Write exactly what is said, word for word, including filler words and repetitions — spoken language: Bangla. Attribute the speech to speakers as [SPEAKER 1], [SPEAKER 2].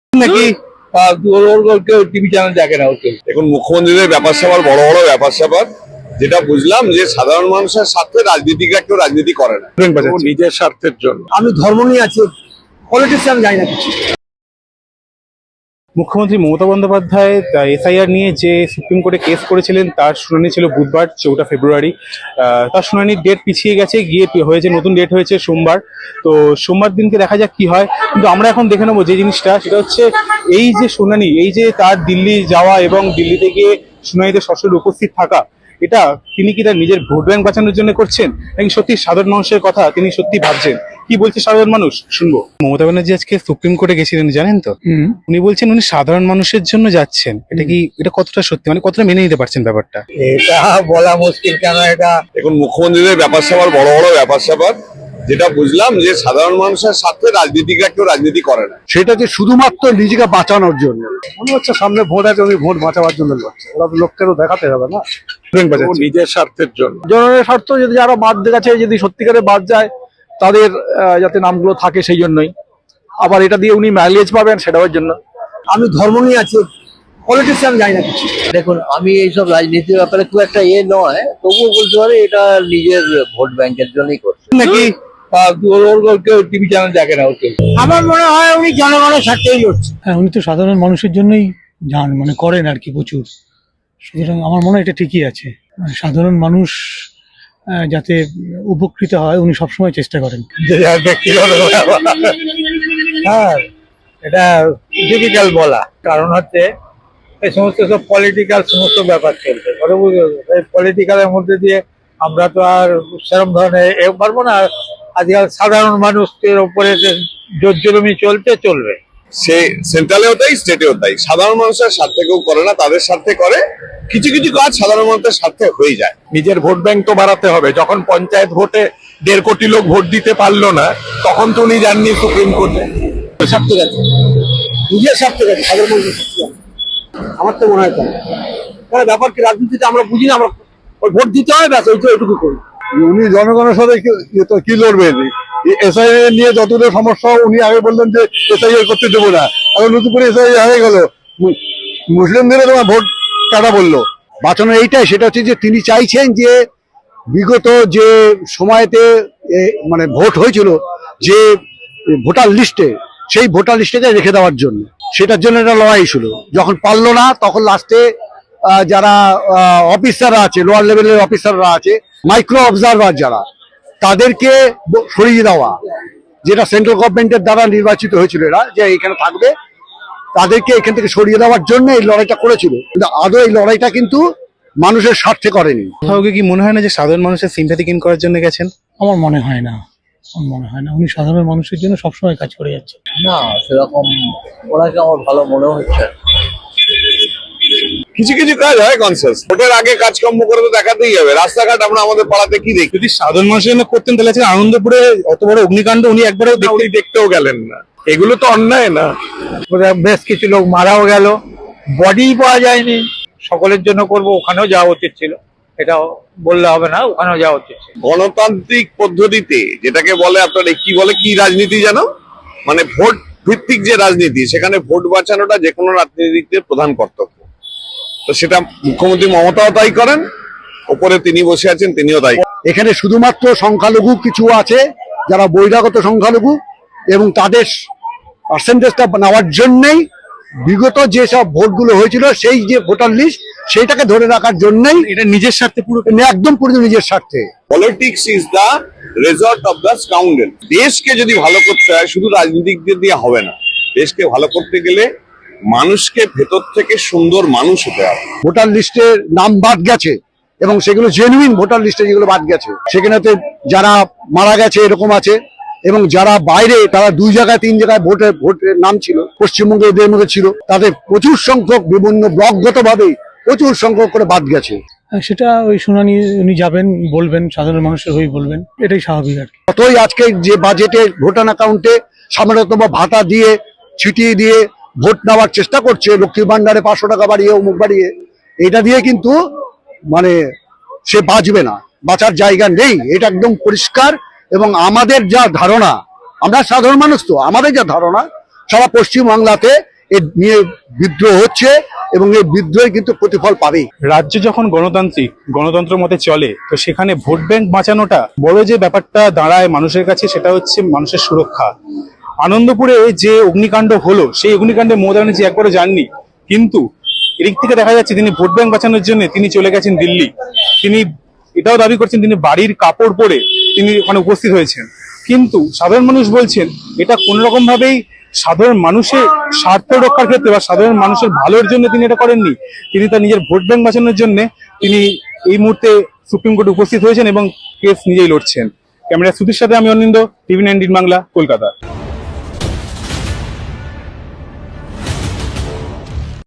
[SPEAKER 1] নাকি টিভি চ্যানেল দেখে না হচ্ছে।
[SPEAKER 2] এখন মুখ্যমন্ত্রীদের ব্যাপার স্যাপার বড় বড় ব্যাপার স্যাপার, যেটা বুঝলাম যে সাধারণ মানুষের স্বার্থে রাজনীতিকরা কেউ রাজনীতি করে না, নিজের স্বার্থের জন্য।
[SPEAKER 1] আমি ধর্ম নিয়ে আছি, পলিটিক্স আমি জানি না কিছু।
[SPEAKER 3] মুখ্যমন্ত্রী মমতা বন্দ্যোপাধ্যায় এসআইআর নিয়ে যে সুপ্রিম কোর্টে কেস করেছিলেন তার শুনানি ছিল বুধবার চৌঠা ফেব্রুয়ারি। তার শুনানির ডেট পিছিয়ে গেছে, গিয়ে হয়েছে নতুন ডেট হয়েছে সোমবার। তো সোমবার দিনকে দেখা যাক কি হয়। কিন্তু আমরা এখন দেখে নেবো যে জিনিসটা, সেটা হচ্ছে এই যে শুনানি, এই যে তার দিল্লি যাওয়া এবং দিল্লিতে গিয়ে শুনানিতে সরাসরি উপস্থিত থাকা, এটা তিনি কি তার নিজের ভোট ব্যাংক বাঁচানোর জন্য করছেন, নাকি সত্যি সাধারণ মানুষের কথা তিনি সত্যি ভাবছেন? কি বলছে সাধারণ মানুষ শুনবো। মমতা ব্যানার্জি আজকে সুপ্রিম কোর্টে গেছিলেন, জানেন তো? উনি বলছেন উনি সাধারণ মানুষের জন্য যাচ্ছেন। এটা কি, এটা কতটা সত্যি, মানে কতটা মেনে নিতে পারছেন ব্যাপারটা?
[SPEAKER 1] এটা বলা মুশকিল। কেন এটা
[SPEAKER 2] এখন মুখ্যমন্ত্রীদের ব্যাপার স্যাপার বড় বড় ব্যাপার স্যাপার, যেটা বুঝলাম যে সাধারণ মানুষের স্বার্থে রাজনীতিকরা কেউ রাজনীতি করে না,
[SPEAKER 4] সেটা যে শুধুমাত্র নিজেকে বাঁচানোর জন্য মনে হচ্ছে। সামনে ভোট আছে, উনি ভোট বাঁচাবার জন্য লড়ছে। ওরা তো লোককেও দেখাতে হবে না,
[SPEAKER 2] নিজের স্বার্থের জন্য।
[SPEAKER 4] জনগণের স্বার্থ। যদি যারা বাদ গেছে, যদি সত্যিকারে বাদ যায়, তাদের যাতে নামগুলো থাকে সেই জন্যই। আবার এটা দিয়ে উনি মাইলেজ পাবেন, সেটার জন্য।
[SPEAKER 1] আমি ধর্ম নিয়ে আছি, পলিটিক্স আমি জানি না কিছু।
[SPEAKER 5] দেখুন, আমি এইসব রাজনীতির ব্যাপারে খুব একটা ইয়ে নয়, তবুও বলতে পারি এটা নিজের ভোট ব্যাংকের জন্যই করছে।
[SPEAKER 1] নাকি কেউ টিভি চ্যানেল দেখে না হচ্ছে। আমার মনে হয় উনি জনগণের স্বার্থেই লড়ছে।
[SPEAKER 6] হ্যাঁ, উনি তো সাধারণ মানুষের জন্যই যান, মানে করেন আর কি প্রচুর। সুতরাং আমার মনে হয় এটা ঠিকই আছে। মানে সাধারণ মানুষ আহ, যাতে উপকৃত হয়, উনি সবসময় চেষ্টা করেন।
[SPEAKER 1] হ্যাঁ, এটা ডিফিকাল্ট বলা। কারণ হচ্ছে এই সমস্ত সব পলিটিক্যাল সমস্ত ব্যাপার চলছে। এই পলিটিক্যালের মধ্যে দিয়ে আমরা তো আর সেরকম ধরনের এ পারবো না। আজকাল সাধারণ মানুষের উপরে যে জোর জুলুমি চলতে চলবে।
[SPEAKER 2] সে সেন্ট্রালেও তাই, স্টেটেও তাই। সাধারণ মানুষের স্বার্থে কেউ করে না, তাদের স্বার্থে করে। কিছু কিছু কাজ সাধারণ মানুষের স্বার্থে হয়ে যায়।
[SPEAKER 7] নিজের ভোট ব্যাংক তো বাড়াতে হবে। যখন পঞ্চায়েত ভোটে দেড় কোটি লোক ভোট দিতে পারলো না, তখন তো উনি যাননি সুপ্রিম কোর্টে।
[SPEAKER 1] স্বার্থে গেছে, নিজের স্বার্থে গেছে, সাধারণ মানুষের স্বার্থে। আমার তো মনে হয় তাই। কারণ ব্যাপার কি, রাজনীতিতে আমরা বুঝি না, আমরা ওই ভোট দিতে হয়, ব্যাস ওই তো এটুকু করি।
[SPEAKER 4] উনি জনগণের সাথে কি লড়বেন? এসআইআর নিয়ে যতটা সমস্যা, উনি আগে বললেন যে এসআইআর করতে দেবো না, এখন নতুন করে এসআইআর হয়ে গেল। মুসলিমদের তোমার ভোট কাটা বললো। বাঁচানো এইটাই, সেটা হচ্ছে যে তিনি চাইছেন যে বিগত যে সময়তে মানে ভোট হয়েছিল, যে ভোটার লিস্টে, সেই ভোটার লিস্টে রেখে দেওয়ার জন্য। সেটার জন্য একটা লড়াই ছিল। যখন পারলো না, তখন লাস্টে যারা অফিসাররা আছে, লোয়ার লেভেলের অফিসাররা আছে, মাইক্রো অবজারভার যারা, তাদেরকে সরিয়ে দেওয়া, যেটা সেন্ট্রাল গভর্নমেন্টের দ্বারা নির্বাচিত হয়েছিল, এরা যে এখানে থাকবে, তাদেরকে এখান থেকে সরিয়ে দেওয়ার জন্য এই লড়াইটা করেছিল। কিন্তু আদৌ এই লড়াইটা কিন্তু মানুষের স্বার্থে করেনি।
[SPEAKER 3] কাউকে কি মনে হয় না যে সাধারণ মানুষের সিম্প্যাথি গেইন করার জন্য গেছেন?
[SPEAKER 6] আমার মনে হয় না, আমার মনে হয় না। উনি সাধারণ মানুষের জন্য সবসময় কাজ করে যাচ্ছে।
[SPEAKER 5] না, সেরকম ওনাকে আমার ভালো মনে হচ্ছে।
[SPEAKER 2] কিছু কিছু কাজ হয় কনসিয়াস। ভোটের আগে কাজকর্ম করে তো দেখাতেই হবে। রাস্তাঘাট আমরা আমাদের পাড়াতে কি দেখি?
[SPEAKER 3] যদি সাধারণ মানুষের জন্য করতেন, তাহলে আজকে আনন্দপুরে অত বড় অগ্নিকাণ্ড উনি একবারও
[SPEAKER 7] উনি দেখতেও গেলেন না। এগুলো তো অন্যায় না?
[SPEAKER 1] বেশ কিছু লোক মারাও গেল, বডি পাওয়া যায়নি। সকলের জন্য করব, ওখানেও যাওয়া উচিত ছিল, এটাও বললে হবে না, ওখানেও যাওয়া উচিত ছিল।
[SPEAKER 2] গণতান্ত্রিক পদ্ধতিতে যেটাকে বলে, আপনার কি বলে, কি রাজনীতি জানো, মানে ভোট ভিত্তিক যে রাজনীতি, সেখানে ভোট বাঁচানোটা যে কোনো রাজনীতির প্রধান কর্তব্য। তো সেটা মুখ্যমন্ত্রী মমতাও তাই করেন, ওপরে তিনি বসে আছেন, তিনিও তাই।
[SPEAKER 4] এখানে শুধুমাত্র সংখ্যালঘু কিছু আছে, যারা বহিরাগত সংখ্যালঘু, এবং তাদের পার্সেন্টেজটা নেওয়ার জন্যই বিগত যেসব ভোটগুলো হয়েছিল, সেই যে ভোটার লিস্ট, সেইটাকে ধরে রাখার জন্যই।
[SPEAKER 3] এটা নিজের স্বার্থে, পুরো
[SPEAKER 4] একদম পুরো নিজের স্বার্থে।
[SPEAKER 2] Politics is the result of the scoundrel. দেশকে যদি ভালো করতে হয়, শুধু রাজনীতিকদের দিয়ে হবে না। দেশকে ভালো করতে গেলে মানুষকে ভেতর থেকে সুন্দর মানুষ হতে হবে।
[SPEAKER 4] ভোটার লিস্টে নাম বাদ গেছে, এবং সেগুলো জেনুইন ভোটার লিস্টে যেগুলো বাদ গেছে, সেখানেতে যারা মারা গেছে এরকম আছে, এবং যারা বাইরে, তারা দুই জায়গায় তিন জায়গায় ভোটের ভোটের নাম ছিল, পশ্চিমবঙ্গে এদের মধ্যে ছিল, তাদের প্রচুর সংখ্যক বিভিন্ন ব্লকগত ভাবে প্রচুর সংখ্যক করে বাদ গেছে।
[SPEAKER 6] সেটা ওই শুনানি উনি যাবেন, বলবেন, সাধারণ মানুষের হয়ে বলবেন, এটাই স্বাভাবিক আর কি।
[SPEAKER 4] অতই আজকে যে বাজেটে ভোটার অ্যাকাউন্টে সামান্যতম ভাতা দিয়ে, ছিটিয়ে দিয়ে ভোট নেওয়ার চেষ্টা করছে, লক্ষ্মীর ভান্ডারে পাঁচশো টাকা বাড়িয়ে, অমুক বাড়িয়ে, এটা দিয়ে কিন্তু মানে সে বাঁচবে না, বাঁচার জায়গা নেই। এটা একদম পরিষ্কার। এবং আমাদের যা ধারণা, আমরা সাধারণ মানুষ, তো আমাদের যা ধারণা, সারা পশ্চিমবাংলাতে এ নিয়ে বিদ্রোহ হচ্ছে এবং এই বিদ্রোহে কিন্তু প্রতিফল পাবেই।
[SPEAKER 3] রাজ্য যখন গণতান্ত্রিক গণতন্ত্র মতে চলে, তো সেখানে ভোট ব্যাংক বাঁচানোটা বড় যে ব্যাপারটা দাঁড়ায় মানুষের কাছে, সেটা হচ্ছে মানুষের সুরক্ষা। আনন্দপুরে যে অগ্নিকাণ্ড হলো, সেই অগ্নিকাণ্ডে মমতা ব্যানার্জি একবারও যাননি, কিন্তু এদিক থেকে দেখা যাচ্ছে তিনি ভোট ব্যাংক বাঁচানোর জন্য তিনি চলে গেছেন দিল্লি। তিনি এটাও দাবি করছেন তিনি বাড়ির কাপড় পরে তিনি ওখানে উপস্থিত হয়েছেন, কিন্তু সাধারণ মানুষ বলছেন এটা কোন রকম ভাবেই সাধারণ মানুষের স্বার্থ রক্ষার ক্ষেত্রে বা সাধারণ মানুষের ভালোর জন্য তিনি এটা করেননি। তিনি তার নিজের ভোট ব্যাংক বাঁচানোর জন্য তিনি এই মুহূর্তে সুপ্রিম কোর্টে উপস্থিত হয়েছেন এবং কেস নিজেই লড়ছেন। ক্যামেরা সুধীর সাথে আমি অনিন্দ, টিভি নাইনটিন বাংলা, কলকাতা।